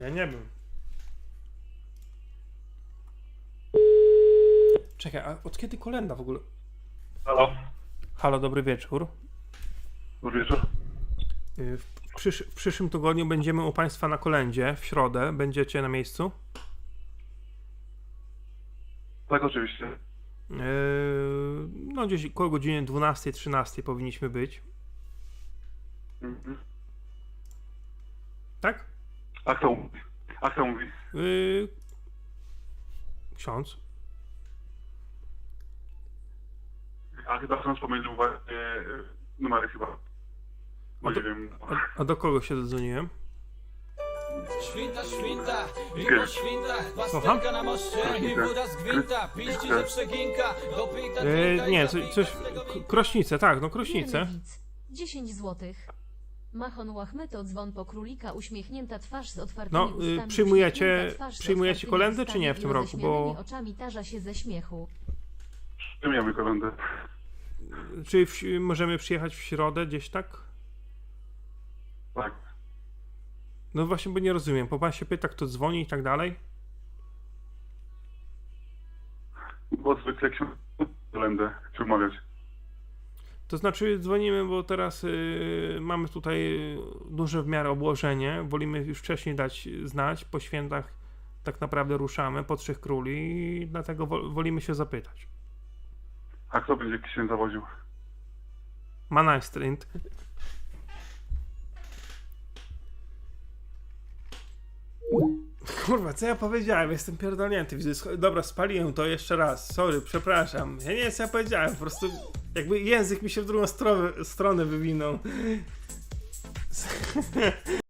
Ja nie wiem. Czekaj, a od kiedy kolenda w ogóle? Halo, Halo, dobry wieczór. dobry wieczór. W przyszłym tygodniu będziemy u Państwa na kolędzie, w środę. Będziecie na miejscu? Tak, oczywiście. No gdzieś koło godziny 12-13 powinniśmy być. Mhm. Tak? A kto mówi? A kto mówi? Ksiądz. A chyba ksiądz pomylił właśnie numery chyba. No nie wiem. A do kogo się zadzwoniłem? Świnta, świnta, i po świntach, Słucham? pasterka na moście i woda z gwinta, piści ze przeginka, dopita Nie, coś... Krośnice, tak, no krośnice. Wierny widz. 10 złotych. Machon łachmyto dzwon po królika, uśmiechnięta twarz z otwartymi No, ustami. przyjmujecie uśmiechnięta twarz z przyjmujecie otwartymi kolędy, ustami czy nie w i tym roku, bo... roześmianymi oczami tarza się ze śmiechu. Przyjmujemy kolendę. Czy możemy przyjechać w środę gdzieś, tak? Tak. No właśnie, bo nie rozumiem. Bo pan się pyta, kto dzwoni i tak dalej. Bo zwykle ksiądz kolendę chce umawiać. To znaczy dzwonimy, bo teraz mamy tutaj duże w miarę obłożenie. Wolimy już wcześniej dać znać. Po świętach tak naprawdę ruszamy po Trzech Króli i dlatego wolimy się zapytać. A kto będzie księdza woził? Manajstrint. Kurwa, co ja powiedziałem? Jestem pierdolnięty. Widzę, dobra, spaliłem to jeszcze raz. Sorry, przepraszam. Ja nie wiem, co ja powiedziałem. Po prostu jakby język mi się w drugą stronę wywinął.